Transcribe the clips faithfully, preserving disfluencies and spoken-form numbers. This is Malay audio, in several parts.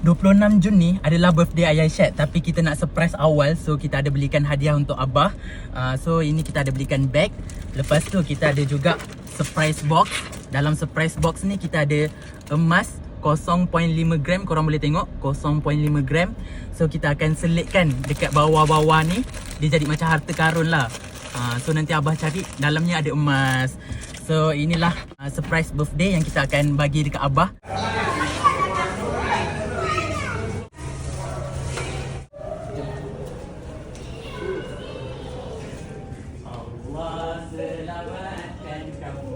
dua puluh enam Jun ni adalah birthday Ayah Syed, tapi kita nak surprise awal. So kita ada belikan hadiah untuk Abah. uh, So ini kita ada belikan bag. Lepas tu kita ada juga surprise box. Dalam surprise box ni kita ada emas kosong perpuluhan lima gram. Korang boleh tengok kosong perpuluhan lima gram. So kita akan selitkan dekat bawah-bawah ni. Dia jadi macam harta karun lah. uh, So nanti Abah cari, dalamnya ada emas. So inilah uh, surprise birthday yang kita akan bagi dekat Abah. Allah selamatkan kamu.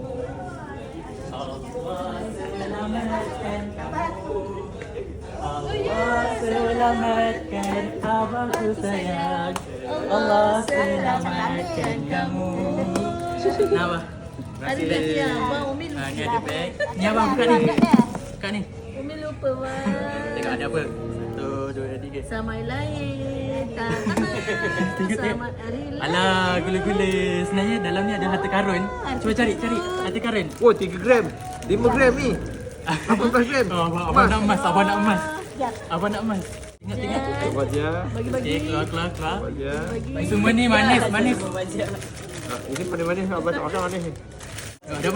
Allah selamatkan kamu. Allah selamatkan abahku sayang. Allah selamatkan kamu. Kenapa? Ada beg ya, Abang Umi lupa. Ha, ni ada beg. Ni abang buka ni. Buka ni. Umi lupa bang. Tengok ada apa. Satu, dua, tiga. Selamat hari lahir. Tengok, Selamat tengok. hari lahir. Alah, gula-gula. Sebenarnya dalam ni ada harta karun. Cuba cari, cari harta karun. Oh, tiga gram. lima gram ni. lapan belas gram. Oh, abang, abang nak emas, abang nak emas. Abang nak emas. Tengok, tengok. Buat dia. Bagi-bagi. Okay, keluar, keluar, keluar. Buat dia. Semua ni manis, manis. Ha, ini manis-manis. Abang tak makan manis ni. Oh, ada apa?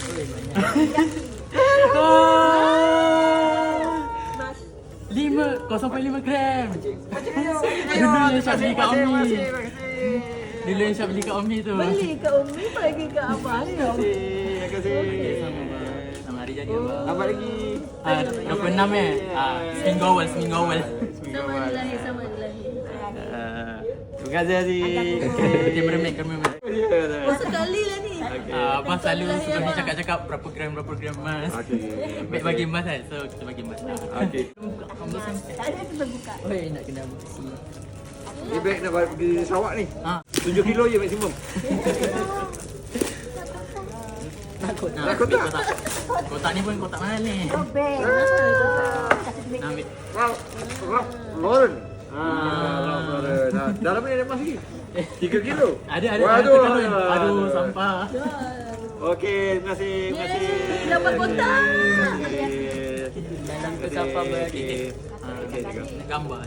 Lima, kosong perpuluhan lima gram. Dulu yang Syah beli kat Umi. Dulu yang Syah beli kat Umi tu. Beli ke Umi, bagi ke Abang ni. Terima kasih. Sama abang. Sama hari jadi abang. Lambat lagi. Ah, dua puluh enam eh. Ah, seminggu awal, seminggu awal. Selamat hari lahir, selamat hari lahir. Ah, Terima kasih Aziz. Okey, meremik, meremik. Oh, sekali lah ni. Ah, abang selalu sebelum ni cakap-cakap berapa gram, berapa gram emas. Okey. Baik bagi emas kan, so kita bagi emas. Okey. Tak ada kita buka. Oi, nak kena besi. Ni beg nak bawa pergi Sarawak ni. Ah, tujuh kilo je maksimum. takut nak. Takut tak? Kotak. Kotak ni pun kotak mahal ni. Beg. Nak ambil. Wow. Wow. Lauren. Ah, Lauren. Nah, dalam ni ada emas lagi. tiga kilo. Ada, ada. Waduh. Ada karun. Aduh, sampah. Okey, terima kasih. Terima kasih. Dapat kotak. Dalam tu sampah berarti. Ah, okey juga. Nak gambar.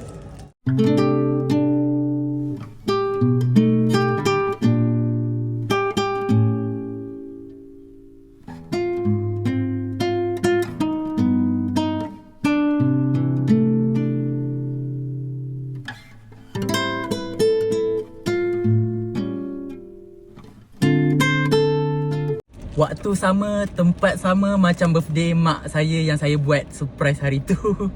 Waktu sama, tempat sama macam birthday mak saya yang saya buat surprise hari tu.